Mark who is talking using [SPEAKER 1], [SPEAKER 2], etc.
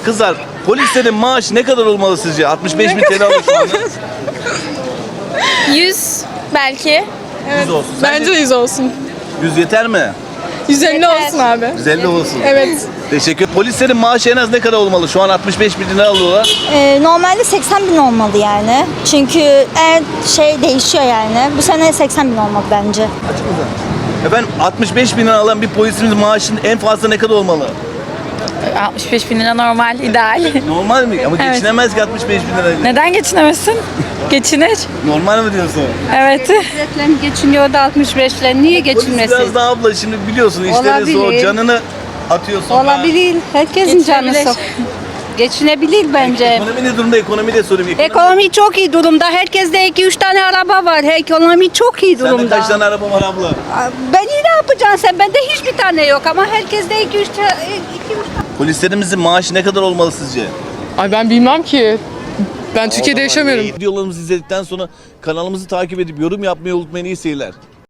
[SPEAKER 1] Kızlar, polislerin maaşı ne kadar olmalı sizce? 65 bin TL alıyor şu anda.
[SPEAKER 2] 100 belki.
[SPEAKER 1] 100 olsun.
[SPEAKER 3] Bence 100 olsun.
[SPEAKER 1] 100 yeter mi?
[SPEAKER 3] 150
[SPEAKER 2] Yeter.
[SPEAKER 3] olsun abi.
[SPEAKER 1] 150 olsun.
[SPEAKER 3] Evet.
[SPEAKER 1] Teşekkür. Polislerin maaşı en az ne kadar olmalı? Şu an 65 bin lira alıyorlar.
[SPEAKER 4] Normalde 80 bin olmalı yani. Çünkü şey değişiyor yani. Bu sene 80 bin olmalı bence.
[SPEAKER 1] Açık mı sen? Efendim 65 bin lira alan bir polisimizin maaşının en fazla ne kadar olmalı?
[SPEAKER 2] 65 bin lira normal, ideal.
[SPEAKER 1] Normal mi? Ama
[SPEAKER 2] Evet.
[SPEAKER 1] geçinemez ki 65 bin lira.
[SPEAKER 2] Neden geçinemezsin? Geçinir.
[SPEAKER 1] Normal mi diyorsun?
[SPEAKER 2] Evet.
[SPEAKER 5] Ücretlen geçiniyor da 65'le niye
[SPEAKER 1] Polis
[SPEAKER 5] geçinmesin?
[SPEAKER 1] biraz daha abla şimdi biliyorsun işleri zor.
[SPEAKER 5] Olabilir.
[SPEAKER 1] Canını atıyorsun.
[SPEAKER 5] Olabilir. Herkesin canı
[SPEAKER 2] Geçinebilir.
[SPEAKER 5] sok. Geçinebilir bence.
[SPEAKER 1] Ekonomi ne durumda? Ekonomi de sorayım.
[SPEAKER 5] Ekonomi çok iyi durumda. Herkeste 2-3 tane araba var. Ekonomi çok iyi
[SPEAKER 1] Sende
[SPEAKER 5] durumda.
[SPEAKER 1] kaç tane araba var abla?
[SPEAKER 5] Ben iyi ne yapacaksın sen? Bende hiçbir tane yok ama herkeste 2-3 tane.
[SPEAKER 1] Polislerimizin maaşı ne kadar olmalı sizce?
[SPEAKER 3] Ay ben bilmem ki. Ben Türkiye'de yaşamıyorum.
[SPEAKER 1] Videolarımızı izledikten sonra kanalımızı takip edip yorum yapmayı unutmayın. İyi seyirler.